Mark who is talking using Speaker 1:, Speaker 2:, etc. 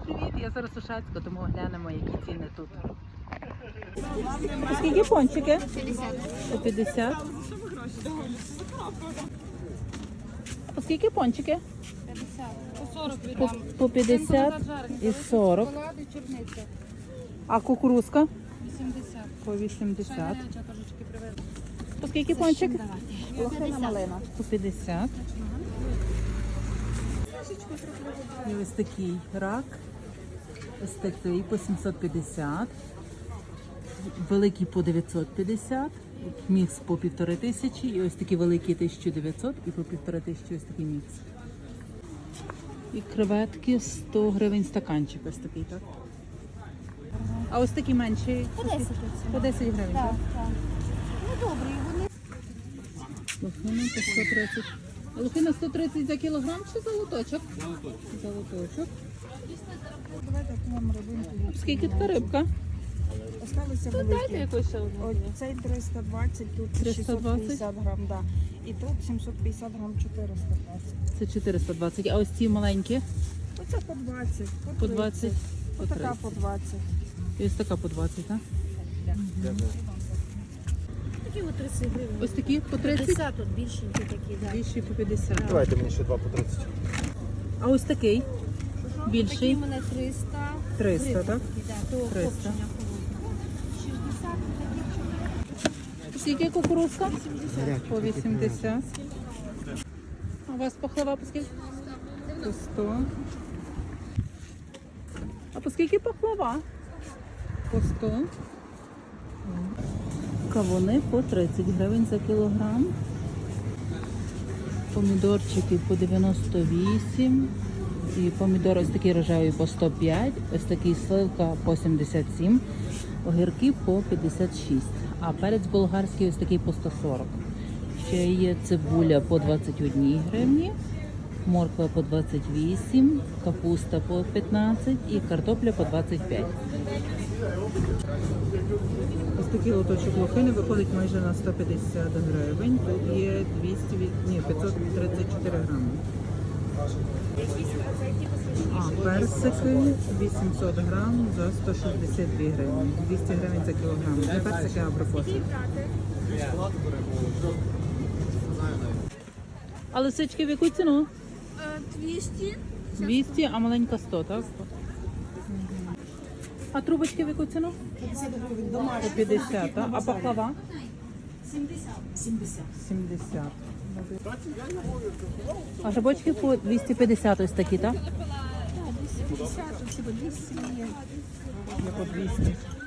Speaker 1: привіт! Я зараз у Шацьку, тому глянемо, які ціни тут. Скільки пончики? 50. По 50. По скільки пончики?
Speaker 2: 50. По 40
Speaker 1: По,
Speaker 2: віддам.
Speaker 1: по 50 і 40.
Speaker 2: Шоколади, чорниця.
Speaker 1: А кукурузка?
Speaker 2: 80.
Speaker 1: По 80.
Speaker 2: Шайняча трошечки привезла.
Speaker 1: По скільки пончик?
Speaker 2: Лохина малина.
Speaker 1: По 50. І ось такий рак. Ось такий по 750. Великий по 950. Мікс по 1500. І ось такі великі 1900 і по 1500 ось такий мікс. І креветки 100 гривень стаканчик. Ось такий, так? А ось такі менші?
Speaker 2: По 10.
Speaker 1: По 10 гривень, так?
Speaker 2: Так. Ну добре, вони.
Speaker 1: Лохина по 130. А лохина 130 за кілограм чи за лоточок? Золоточок.
Speaker 2: Давайте купимо рибинку.
Speaker 1: Скільки така рибка?
Speaker 2: Осталися
Speaker 1: Дайте
Speaker 2: великі.
Speaker 1: якусь ще одну.
Speaker 2: Ось цей 320, тут
Speaker 1: 320?
Speaker 2: 650 грам, да. І тут 750 грам 420.
Speaker 1: Це 420. А ось ці маленькі?
Speaker 2: Оце по 20,
Speaker 1: По 20, по
Speaker 2: Отака
Speaker 1: 30.
Speaker 2: по 20.
Speaker 1: І ось така по 20, так?
Speaker 2: Такі от 30 гривень.
Speaker 1: Ось такі по 30?
Speaker 2: 50 тут більшенькі такі, да.
Speaker 1: Більші по 50.
Speaker 3: Давайте мені ще 2 по 30.
Speaker 1: А ось такий?
Speaker 2: Такі
Speaker 1: Більший?
Speaker 2: в мене 300.
Speaker 1: 300,
Speaker 2: гривень
Speaker 1: так?
Speaker 2: такі, да, то
Speaker 1: 300.
Speaker 2: копчення холодне. 60 таких.
Speaker 1: Скільки кукурузка? По 80. А у вас пахлава по скільки? По 100. А по скільки пахлава? По 100. Кавуни по 30 гривень за кілограм. Помідорчики по 98. І помідор ось такий рожевий по 105. Ось такий сливка по 77. Огірки по 56. А перець болгарський ось такий по 140. Ще є цибуля по 21 гривні. Морква по 28, капуста по 15 і картопля по 25. Ось такий лоточок лохини виходить майже на 150 гривень. Тут є 534 грами. А персики 800 грам за 162 гривні. 200 гривень за кілограм. Не персики, а абрикоси. А лисички в яку ціну?
Speaker 2: 200.
Speaker 1: 200, а маленька 100, так? А трубочки в яку ціну?
Speaker 2: 50 гривень
Speaker 1: По
Speaker 2: домашні.
Speaker 1: 50, так? А пахлава?
Speaker 2: 70.
Speaker 1: 70. А жабочки по 250 ось такі, так?
Speaker 2: Так, 250, всього 200 є.
Speaker 1: Є по 200.